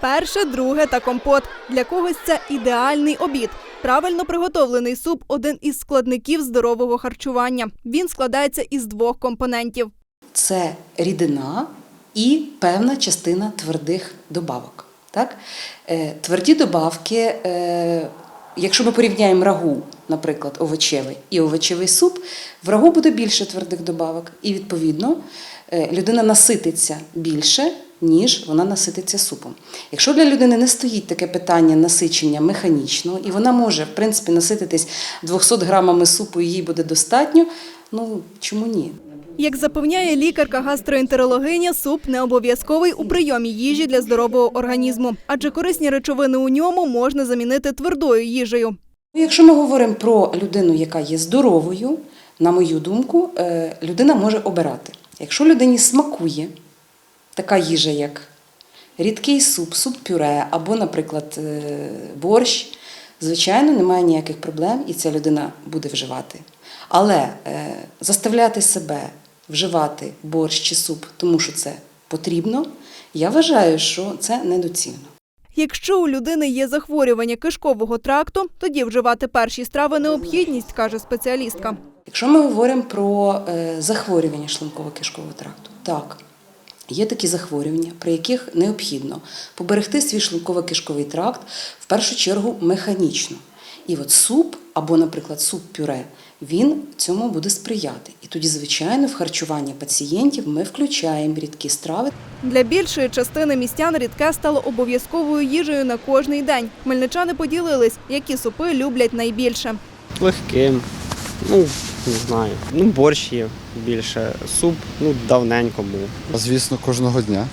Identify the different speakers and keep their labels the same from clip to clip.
Speaker 1: Перше, друге та компот. Для когось це ідеальний обід. Правильно приготовлений суп – один із складників здорового харчування. Він складається із двох компонентів.
Speaker 2: Це рідина і певна частина твердих добавок. Так? Тверді добавки, якщо ми порівняємо рагу, наприклад, овочевий і овочевий суп, в рагу буде більше твердих добавок. І, відповідно, людина насититься більше, ніж вона насититься супом. Якщо для людини не стоїть таке питання насичення механічного, і вона може, в принципі, насититись 200 грамами супу, і їй буде достатньо, чому ні?
Speaker 1: Як запевняє лікарка-гастроентерологиня, суп не обов'язковий у прийомі їжі для здорового організму, адже корисні речовини у ньому можна замінити твердою їжею.
Speaker 2: Якщо ми говоримо про людину, яка є здоровою, на мою думку, людина може обирати. Якщо людині смакує така їжа, як рідкий суп, суп-пюре або, наприклад, борщ, звичайно, немає ніяких проблем і ця людина буде вживати. Але заставляти себе вживати борщ чи суп, тому що це потрібно, я вважаю, що це недоцільно.
Speaker 1: Якщо у людини є захворювання кишкового тракту, тоді вживати перші страви – необхідність, каже спеціалістка.
Speaker 2: Якщо ми говоримо про захворювання шлунково-кишкового тракту, так, є такі захворювання, при яких необхідно поберегти свій шлунково-кишковий тракт, в першу чергу, механічно. І от суп, або, наприклад, суп-пюре, він цьому буде сприяти. І тоді, звичайно, в харчування пацієнтів ми включаємо рідкі страви.
Speaker 1: Для більшої частини містян рідке стало обов'язковою їжею на кожний день. Хмельничани поділились, які супи люблять найбільше.
Speaker 3: Легким, не знаю, борщ є більше, суп, давненько був.
Speaker 4: Звісно, кожного дня.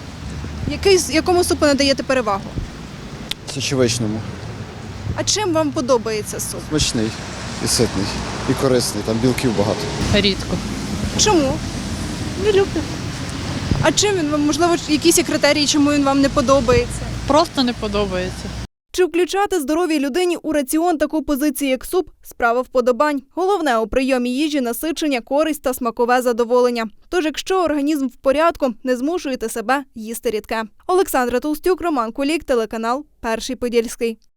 Speaker 1: Якому супу надаєте перевагу?
Speaker 4: Сочевичному.
Speaker 1: А чим вам подобається суп?
Speaker 4: Смачний і ситний, і корисний, там білків багато.
Speaker 5: Рідко.
Speaker 1: Чому?
Speaker 5: Не люблю.
Speaker 1: А чим він вам, можливо, якісь є критерії, чому він вам не подобається?
Speaker 5: Просто не подобається.
Speaker 1: Чи включати здоровій людині у раціон таку позицію, як суп – справа вподобань. Головне у прийомі їжі – насичення, користь та смакове задоволення. Тож, якщо організм в порядку, не змушуйте себе їсти рідке. Олександра Толстюк, Роман Кулік, телеканал «Перший Подільський».